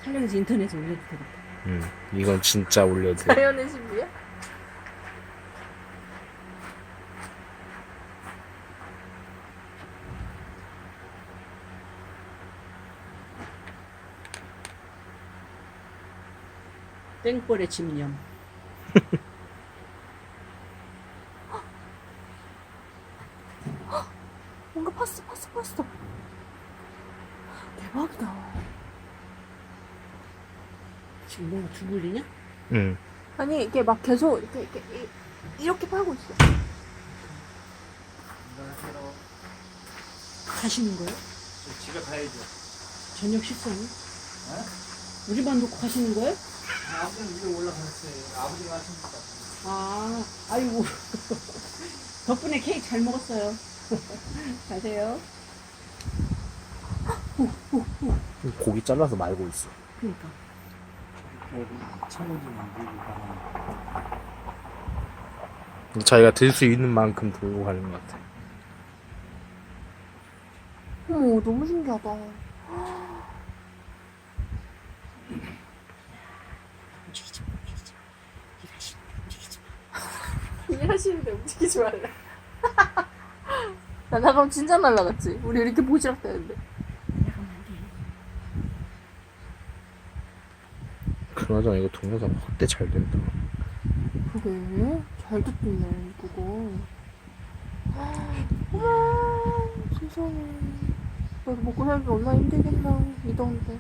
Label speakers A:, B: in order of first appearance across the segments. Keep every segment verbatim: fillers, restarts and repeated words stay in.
A: 촬영해서 인터넷에 올려도 되겠다.
B: 응, 이건 진짜 올려도 돼.
C: 자연의 신비야?
A: 땡벌의 집념.
C: 뭔가 봤어 봤어 봤어. 대박이다.
A: 지금 뭔가 두불리냐?
B: 응.
C: 아니 이게 막 계속 이렇게 이렇게 이- 이렇게 팔고 있어.
A: 가시는 거예요?
D: 집에 가야죠.
A: 저녁 식사는?
D: 어?
A: 우리만 놓고 가시는 거예요?
D: 아버지는 위로 올라갔어요. 아버지가 하십니까?
A: 아, 아이고. 덕분에 케이크 잘 먹었어요. 가세요.
B: 고기 잘라서 말고 있어.
A: 그러니까.
D: 창호지만 들고 가는.
B: 자기가 들 수 있는 만큼 들고 가는 것 같아.
C: 어머 너무 신기하다.
A: 움직이지 마, 움직이지 마. 일하시는데 움직이지 마.
C: 일하시는데 움직이지 말라. 나 나가면 진짜 날라갔지. 우리 이렇게 보시락 되는데.
A: 나가면 안 돼.
B: 그나저나 이거 동영상 확대 잘 된다.
C: 그게 잘 듣네 그거. 어머 세상에. 나도 먹고 살기 얼마나 힘들겠나 이 더운데.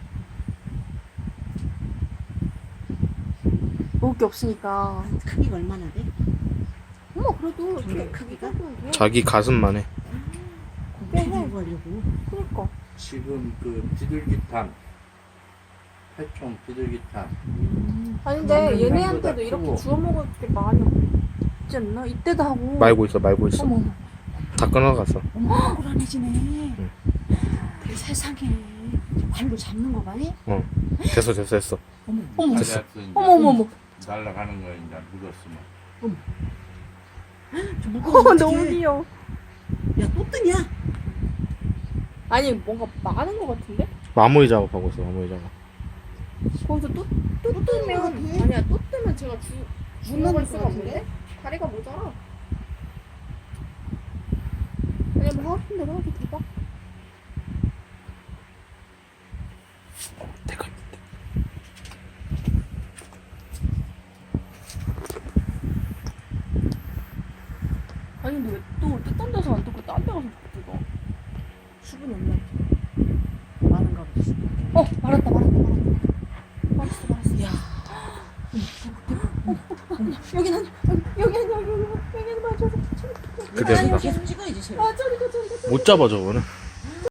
C: 먹을 게 없으니까.
A: 크기가 얼마나 돼?
C: 어머 그래도
A: 근데
C: 이렇게
A: 크기가?
C: 크기가
B: 자기 가슴만 해.
A: 고기 들고 가려고.
C: 그니까.
D: 지금 그 비둘기탕, 해총 비둘기탕.
A: 음.
C: 아닌데
D: 그건
C: 얘네한테도
D: 생각보다
C: 이렇게
D: 크고.
C: 주워 먹을 게 많이 없지 않나? 이때도 하고.
B: 말고 있어, 말고 있어.
C: 어머 어머.
B: 다 끊어갔어.
A: 어머, 불안해지네.
B: 응.
A: 그 세상에. 발로 잡는 거 봐니?
B: 어. 됐어, 됐어, 됐어.
A: 어머,
C: 어머.
D: 됐어.
C: 어머 어머 어머.
D: 날아가는 거 이제 묻었으면.
A: 저 무거워.
C: 어, 너무 귀여워.
A: 야, 또 뜨냐?
C: 아니 뭔가 많은 것 같은데?
B: 마무리 작업하고 있어, 마무리 작업.
C: 거기서 또, 또 뜨면 아니야 또 뜨면 제가 주 주먹을 수가 없는데 다리가 모자라. 아니 뭐 하고 싶은데 그렇게 대박.
B: 내가 있는데.
C: 아니 근데 왜 또 뜻한 데서 안 뜨고 딴 데 가서 뜨고?
A: 수분이 없나 보지. 많은가 보지.
C: 어 말았다 말았다 말았다. 말았어 말았어.
A: 야,
C: 여긴 아니 여기 여기 아니 여기 여기 여기는 맞아.
B: 그대로다.
A: 계속 찍어야지, 쟤.
C: 아 저리 가 저리 가.
B: 못 잡아, 저거는.